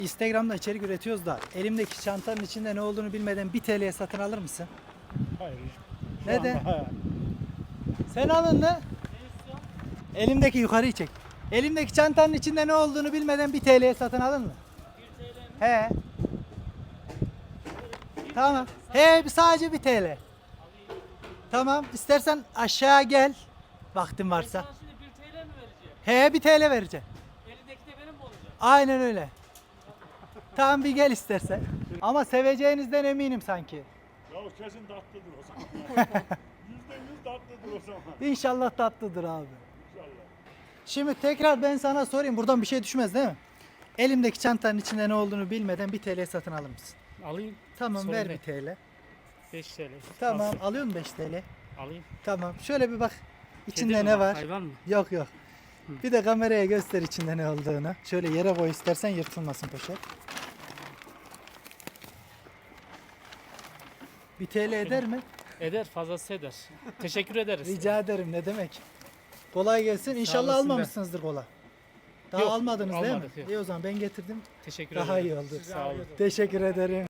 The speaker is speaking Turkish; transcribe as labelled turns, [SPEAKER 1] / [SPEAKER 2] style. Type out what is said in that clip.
[SPEAKER 1] Instagram'da içerik üretiyoruz da elimdeki çantanın içinde ne olduğunu bilmeden 1 TL'ye satın alır mısın?
[SPEAKER 2] Hayır. Şu
[SPEAKER 1] Neden?
[SPEAKER 2] anda hayır.
[SPEAKER 1] Sen alın ne? Elimdeki yukarıyı çek. Elimdeki çantanın içinde ne olduğunu bilmeden 1 TL'ye satın alır mı?
[SPEAKER 3] 1 TL mi?
[SPEAKER 1] He. Tamam. He sadece 1 TL. Tamam. İstersen aşağı gel. Vaktin varsa.
[SPEAKER 3] Sana şimdi 1 TL mi vereceğim?
[SPEAKER 1] He 1 TL vereceğim.
[SPEAKER 3] Elindeki de benim mi olacak?
[SPEAKER 1] Aynen öyle. Tamam bir gel istersen. Ama seveceğinizden eminim sanki.
[SPEAKER 2] Ya kesin tatlıdır o zaman. %100 tatlıdır o zaman.
[SPEAKER 1] İnşallah tatlıdır abi.
[SPEAKER 2] İnşallah.
[SPEAKER 1] Şimdi tekrar ben sana sorayım. Buradan bir şey düşmez değil mi? Elimdeki çantanın içinde ne olduğunu bilmeden 1 TL satın alır mısın?
[SPEAKER 3] Alayım.
[SPEAKER 1] Tamam
[SPEAKER 3] Sorun
[SPEAKER 1] ver
[SPEAKER 3] değil.
[SPEAKER 1] 1 TL.
[SPEAKER 3] 5 TL.
[SPEAKER 1] Tamam alıyor musun 5 TL?
[SPEAKER 3] Alayım.
[SPEAKER 1] Tamam şöyle bir bak. İçinde
[SPEAKER 3] Kedi mi
[SPEAKER 1] ne
[SPEAKER 3] bak,
[SPEAKER 1] var?
[SPEAKER 3] Hayvan mı?
[SPEAKER 1] Yok yok. Bir de kameraya göster içinde ne olduğunu. Şöyle yere koy istersen yırtılmasın poşet. 1 TL eder mi?
[SPEAKER 3] Eder, fazlası eder. Teşekkür ederiz.
[SPEAKER 1] Rica ederim ne demek. Kolay gelsin. İnşallah
[SPEAKER 3] olasın be.
[SPEAKER 1] almamışsınızdır kola. Daha
[SPEAKER 3] Yok,
[SPEAKER 1] almadınız değil mi?
[SPEAKER 3] almadık, yok.
[SPEAKER 1] İyi o zaman ben getirdim.
[SPEAKER 3] Teşekkür
[SPEAKER 1] Daha
[SPEAKER 3] ederim.
[SPEAKER 1] iyi oldu.
[SPEAKER 3] Sağ olun.
[SPEAKER 1] Teşekkür ederim.